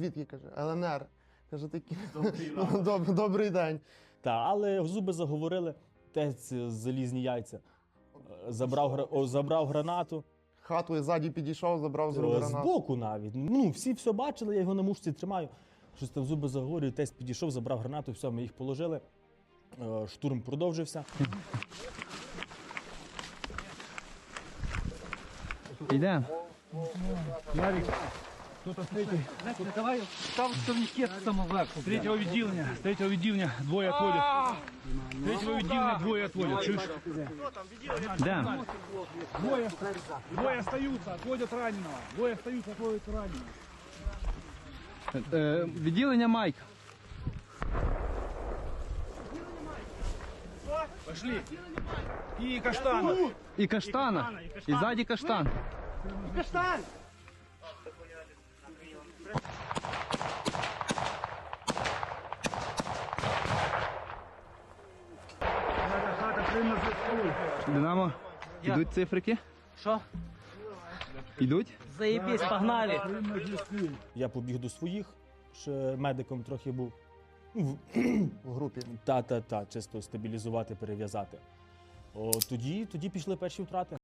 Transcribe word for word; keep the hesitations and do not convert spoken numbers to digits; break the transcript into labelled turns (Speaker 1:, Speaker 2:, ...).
Speaker 1: звідки, каже, Л Н Р. Каже, такий, добрий, добрий день.
Speaker 2: Та, але зуби заговорили, тесть залізні яйця. Забрав, гра- о, забрав гранату.
Speaker 1: Хату і ззаді підійшов, забрав з рук
Speaker 2: Е,
Speaker 1: гранату.
Speaker 2: Збоку навіть. Ну, всі все бачили, я його на мушці тримаю. Щось там зуби заговорює, тесть підійшов, забрав гранату, все, ми їх положили. Е, Штурм продовжився.
Speaker 3: Йдемо.
Speaker 4: Давай став турнікет самоверху.
Speaker 5: З третього відділення, з третього відділення двоє відводять. З третього відділення двоє відводять. Чуєш?
Speaker 3: Йдемо.
Speaker 5: Двоє, двоє остаються, відводять раненого. Двоє остаються, відводять раненого.
Speaker 3: Е, Відділення Майк.
Speaker 5: Пошли. І Каштана.
Speaker 3: І каштана. І ззаді каштан.
Speaker 4: Каштан!
Speaker 3: Динамо. Ідуть цифрики?
Speaker 4: Що?
Speaker 3: Ідуть?
Speaker 4: Заєбісь, погнали!
Speaker 2: Я побіг до своїх, ще медиком трохи був. Ну,
Speaker 1: В групі.
Speaker 2: Та-та-та, чисто стабілізувати, перев'язати. О, тоді, тоді пішли перші втрати.